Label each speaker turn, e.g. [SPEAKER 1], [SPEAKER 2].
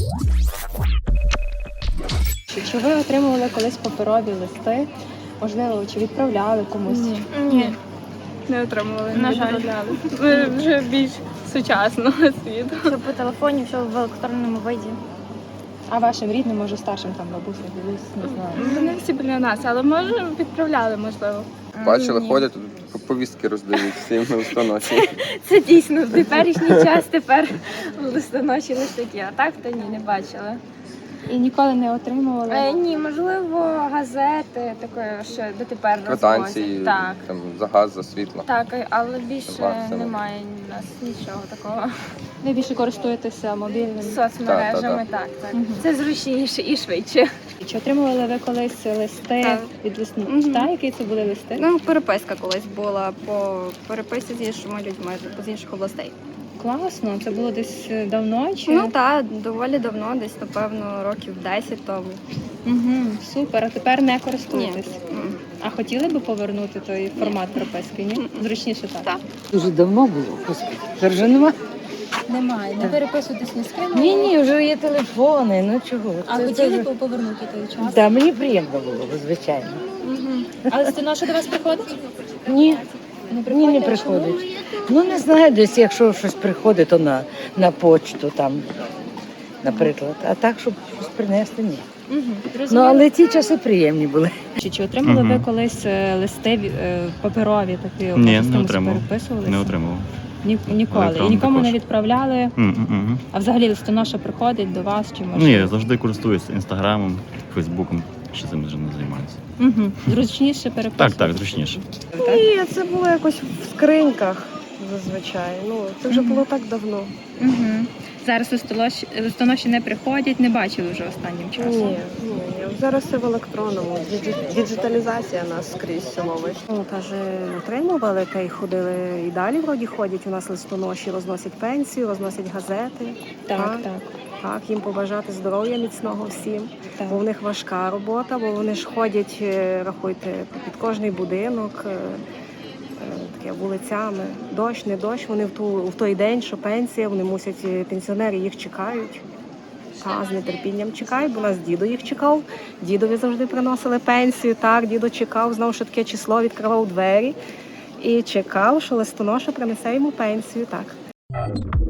[SPEAKER 1] Чи ви отримували колись паперові листи? Можливо, чи відправляли комусь?
[SPEAKER 2] Ні, не отримували,
[SPEAKER 3] На
[SPEAKER 2] не
[SPEAKER 3] жаль.
[SPEAKER 2] відправляли. Ми вже більш сучасного світу.
[SPEAKER 3] Все по телефоні, все в електронному виді.
[SPEAKER 1] А вашим рідним, може старшим, там бабуся, дідусь, не знаю.
[SPEAKER 2] Вони всі біля нас, але може відправляли, можливо.
[SPEAKER 4] Бачили,
[SPEAKER 3] Ні.
[SPEAKER 4] ходять, повістки роздають всім на листоноші.
[SPEAKER 3] Це дійсно в теперішній час тепер листоноші листики, а так то ні, не бачила.
[SPEAKER 1] І ніколи не отримували?
[SPEAKER 3] Ні, можливо, газети, таке, що дотепер
[SPEAKER 4] Квитанції,
[SPEAKER 3] розвозять. Так.
[SPEAKER 4] там, за газ, за світло.
[SPEAKER 3] Так, але більше
[SPEAKER 4] Максимум.
[SPEAKER 3] немає у нас нічого такого.
[SPEAKER 1] Ви більше користуєтеся мобільним?
[SPEAKER 3] Соцмережами, так.
[SPEAKER 1] Мгм.
[SPEAKER 3] Це зручніше і швидше.
[SPEAKER 1] Чи отримували ви колись листи
[SPEAKER 3] Так.
[SPEAKER 1] від лісну?
[SPEAKER 3] Мгм.
[SPEAKER 1] Так, які це були листи?
[SPEAKER 5] Ну, переписка колись була по переписці з іншими людьми з інших областей.
[SPEAKER 1] Класно, це було десь давно чи?
[SPEAKER 5] Ну так, доволі давно, десь напевно років 10 тому.
[SPEAKER 1] Угу, супер, а тепер не
[SPEAKER 5] Ні.
[SPEAKER 1] користуєтесь? А хотіли би повернути той формат переписки, ні? Зручніше так?
[SPEAKER 5] Так.
[SPEAKER 6] Дуже давно було, господи. Тепер вже нема.
[SPEAKER 1] Немає, не переписуєтесь ні з ким?
[SPEAKER 6] Ні, вже є телефони, ну чого.
[SPEAKER 1] А хотіли б повернути той час?
[SPEAKER 6] Так, мені приємно було, звичайно.
[SPEAKER 1] А листоноша до вас приходить?
[SPEAKER 6] Ні,
[SPEAKER 1] Не
[SPEAKER 6] не приходить. Ну не знаю, десь якщо щось приходить, то на почту там, наприклад. А так, щоб щось принести, ні. Ну, але ті часи приємні були.
[SPEAKER 1] Чи отримали ви
[SPEAKER 7] Мгм.
[SPEAKER 1] колись листи паперові такі?
[SPEAKER 7] Ні,
[SPEAKER 1] може, з
[SPEAKER 7] не
[SPEAKER 1] кимось
[SPEAKER 7] отримував.
[SPEAKER 1] переписувалися?
[SPEAKER 7] Не отримував.
[SPEAKER 1] Ніколи. І
[SPEAKER 7] Електронно
[SPEAKER 1] нікому не
[SPEAKER 7] також.
[SPEAKER 1] відправляли?
[SPEAKER 7] Мгм.
[SPEAKER 1] А взагалі листоноша приходить до вас чи може?
[SPEAKER 7] Ні, я завжди користуюся інстаграмом, фейсбуком, ще цим вже не займаюся.
[SPEAKER 1] Угу. Зручніше переписувати?
[SPEAKER 7] Так, зручніше.
[SPEAKER 8] Ні, це було якось в скриньках зазвичай. Ну, це вже було так давно.
[SPEAKER 1] Угу. Зараз листоноші не приходять, не бачили вже останнім часом.
[SPEAKER 8] Ні. Зараз все в електронному. Діджиталізація нас скрізь ловить. Ну, каже, отримували, та й ходили і далі вроді ходять. У нас листоноші розносять пенсію, розносять газети.
[SPEAKER 1] Так.
[SPEAKER 8] Так, їм побажати здоров'я міцного всім.
[SPEAKER 1] Так.
[SPEAKER 8] Бо в них важка робота, бо вони ж ходять, рахуйте, під кожний будинок, таке вулицями. Дощ, не дощ, вони в той день, що пенсія, вони мусять, пенсіонери їх чекають. З нетерпінням чекають, бо у нас дідо їх чекав. Дідові завжди приносили пенсію. Так, дідо чекав, знав, що таке число, відкривав двері і чекав, що листоноша принесе йому пенсію. Так.